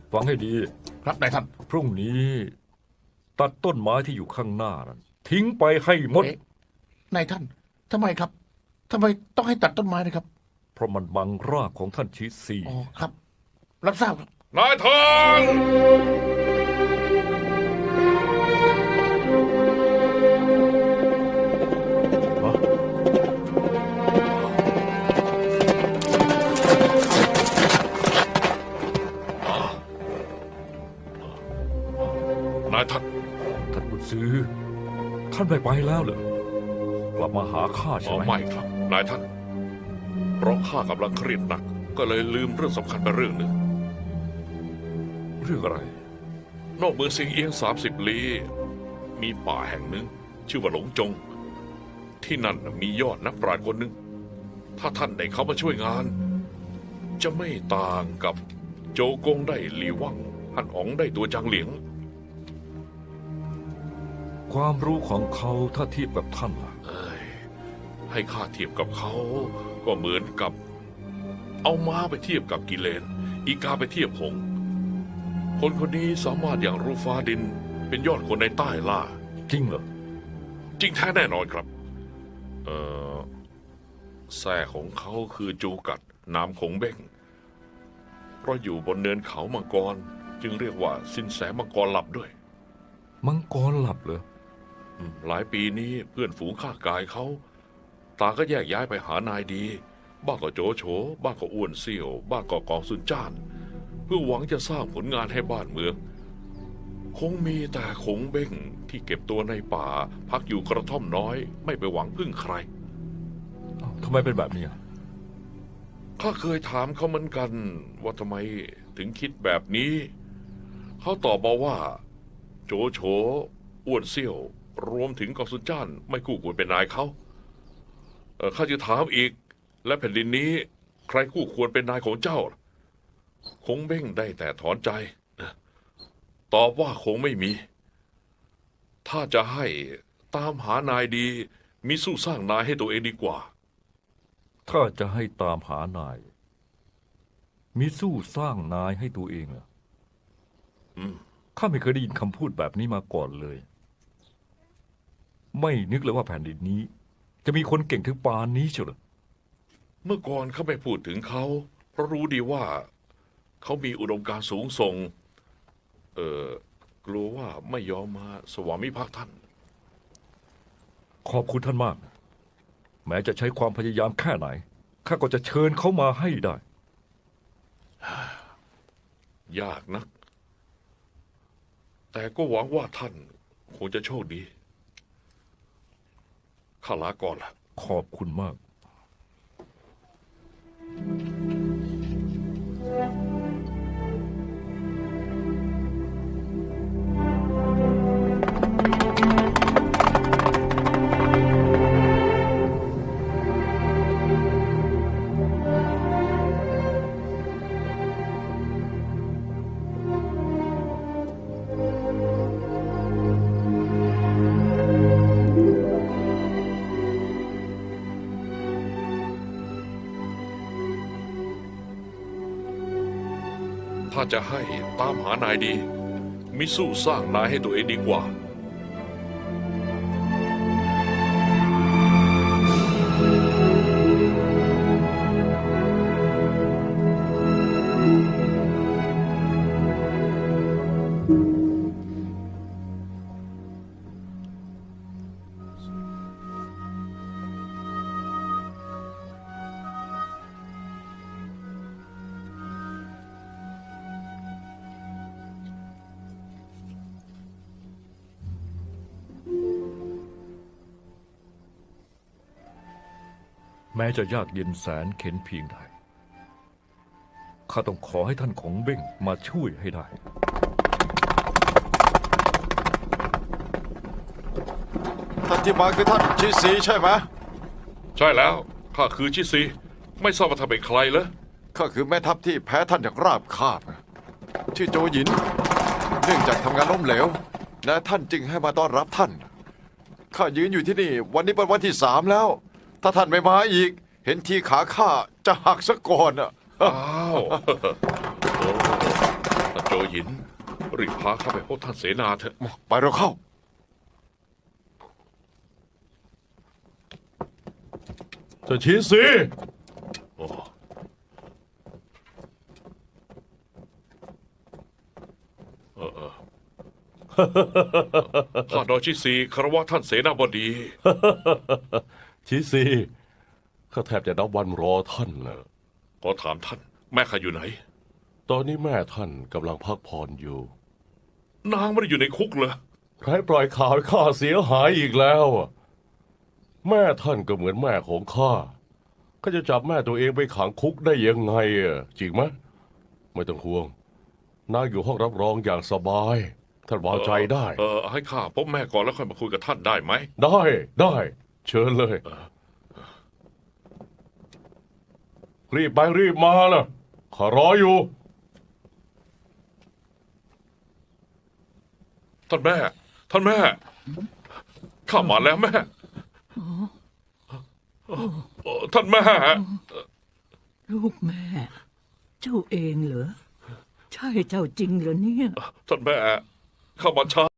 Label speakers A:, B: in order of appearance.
A: ฟังให้ดี
B: ครับนายท่าน
A: พรุ่งนี้ ตัดต้นไม้ที่อยู่ข้างหน้านั้นทิ้งไปให้หมด
B: เอ๊ะนายท่านทำไมครับทำไมต้องให้ตัดต้นไม้นะครับ
A: เพราะมันบังรากของท่านชิซี
B: อ๋อครับ รับทราบครับ
C: นายท่าน นายท่าน
A: ท่านบุญซื้อ ท่านไม่ไปแล้วเหรอกลับมาหาข้า
C: อ๋
A: ใช่
C: อ
A: ไหม
C: ไม่ครับ นายท่าน เพราะข้ากำลังเครียดหนัก ก็เลยลืมเรื่องสำคัญไปเรื่องหนึ่ง
A: เรื่องอะไร
C: นอกเมืองสิงเอียง30 ลี้ มีป่าแห่งหนึ่ง ชื่อว่าหลงจง ที่นั่นมียอดนักปราชญ์คนหนึ่ง ถ้าท่านได้เขามาช่วยงาน จะไม่ต่างกับโจกงได้หลีว่างฮั่นอ๋องได้ตัวจางเหลียง
A: ความรู้ของเขาถ้าเทียบกับท่านล่ะ
C: เอ้ยให้ข้าเทียบกับเขาก็เหมือนกับ เอาม้าไปเทียบกับกิเลน อีกาไปเทียบหงส์คนคนนี้สามารถอย่างรู้ฟ้าดิน เป็นยอดคนในใต้ล่า
A: จริงเหรอ
C: จริงแท้แน่นอนครับ แท้ของเขาคือจูกัดนามขงเบ้ง เพราะอยู่บนเนินเขามังกร จึงเรียกว่าสินแสมังกรหลับด้วย
A: มังกรหลับเหรอ
C: หลายปีนี้เพื่อนฝูงข้ากายเขาตาก็แยกย้ายไปหานายดี บ้างก็โจโฉบ้างก็อ้วนเซี่ยว บ้างก็กองสุนจ้าน เพื่อหวังจะสร้างผลงานให้บ้านเมือง คงมีแต่คงเบ้งที่เก็บตัวในป่า พักอยู่กระท่อมน้อย ไม่ไปหวังพึ่งใคร
A: ทำไมเป็นแบบนี้อ่ะ
C: ข้าเคยถามเขาเหมือนกัน ว่าทำไมถึงคิดแบบนี้ เขาตอบมาว่า โจโฉอ้วนเซี่ยว รวมถึงกองสุนจ้าน ไม่คู่ควรเป็นนายเขาข้าจะถามอีก และแผ่นดินนี้ ใครคู่ควรเป็นนายของเจ้า คงเบ้งได้แต่ถอนใจ ตอบว่าคงไม่มี ถ้าจะให้ตามหานายดี มิสู้สร้างนายให้ตัวเองดีกว่า
A: ถ้าจะให้ตามหานาย มีสู้สร้างนายให้ตัวเองเหรอข้าไม่เคยได้ยินคำพูดแบบนี้มาก่อนเลย ไม่นึกเลยว่าแผ่นดินนี้ จะมีคนเก่งถึงปานนี้เชียวเหรอ
C: เมื่อก่อนเขาไม่พูดถึงเขา เพราะรู้ดีว่า เขามีอุดมการณ์สูงส่ง กลัวว่าไม่ยอมมาสวามิภักดิ์ท่าน
A: ขอบคุณท่านมาก แม้จะใช้ความพยายามแค่ไหน ข้าก็จะเชิญเขามาให้ได้
C: ยากนัก แต่ก็หวังว่าท่านคงจะโชคดี ข้าลาก่อนละ
A: ขอบคุณมาก
C: ถ้าจะให้ตามหานายดี มิสู้สร้างนายให้ตัวเองดีกว่า
A: แม้จะยากเย็นแสนเข็ญเพียงใด ข้าต้องขอให้ท่านของเบ้งมาช่วยให้ได้
D: ท่านที่มาคือท่านชิซีใช่ไหม
C: ใช่แล้ว ข้าคือชิซี ไม่ทราบว่าท่านเป็นใครเหรอ
D: ข้าคือแม่ทัพที่แพ้ท่านอย่างราบคาบ ชื่อโจหยิน เนื่องจากทำงานล้มเหลว และท่านจึงให้มาต้อนรับท่าน ข้ายืนอยู่ที่นี่ วันนี้เป็นวันที่3แล้ว ถ้าท่านไม่มาอีก เห็นทีขาข้าจะหักซะก่อนอ่ะ
C: อ้าวโจหยินรีบพาเข้าไปพบท่านเสนาเถอะ
D: ไปเราเข้า
E: จะชี้สิ
C: โอ้ข้าดอยชิซีคารวะท่านเสนาบดี
E: ชี้สิข้าแทบจะนับวันรอท่านนะ
C: ขอถามท่าน แม่ข้าอยู่ไหน
E: ตอนนี้แม่ท่านกำลังพักผ่อนอยู่
C: นางไม่ได้อยู่ในคุกเหรอ
E: ใครปล่อยข่าวให้ข้าเสียหายอีกแล้วอะแม่ท่านก็เหมือนแม่ของข้าข้าจะจับแม่ตัวเองไปขังคุกได้ยังไงอะจริงไหมไม่ต้องห่วงนางอยู่ห้องรับรองอย่างสบาย ท่านวางใจได้
C: ให้ข้าพบแม่ก่อนแล้วค่อยมาคุยกับท่านได้ไหม
E: ได้เชิญเลย รีบไปรีบมานะข้ารออยู่
C: ท่านแม่ ท่านแม่ ข้ามาแล้วแม่ท่านแม่
F: ลูกแม่ เจ้าเองเหรอ ใช่เจ้าจริงเหรอเนี่ย
C: ท่านแม่ เข้ามาช้า